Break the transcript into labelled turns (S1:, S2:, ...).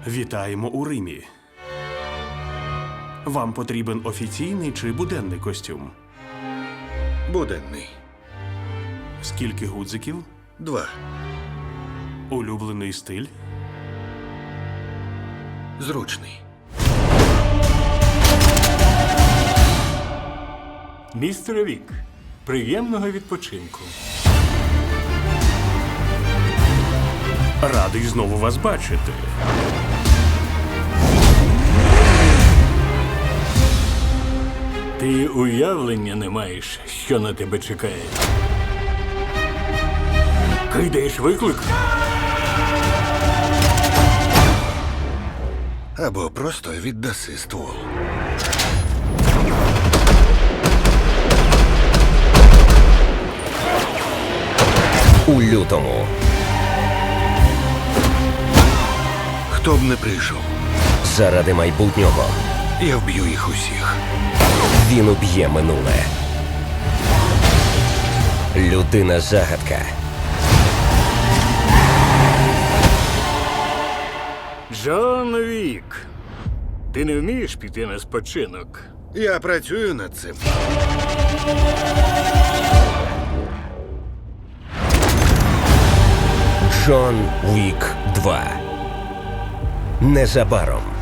S1: Вітаємо у Римі. Вам потрібен офіційний чи буденний костюм?
S2: Буденний.
S1: Скільки гудзиків?
S2: 2.
S1: Улюблений стиль?
S2: Зручний.
S3: Містере Вік, приємного відпочинку.
S1: Радий знову вас бачити.
S3: Ти уявлення не маєш, що на тебе чекає. Кидаєш виклик?
S2: Або просто віддаси ствол.
S4: У лютому
S2: Хто б не прийшов,
S4: заради майбутнього
S2: я вб'ю їх усіх.
S4: він уб'є минуле. Людина-загадка.
S3: Джон Вік, ти не вмієш піти на спочинок?
S2: Я працюю над цим.
S4: Джон Вік 2. Незабаром.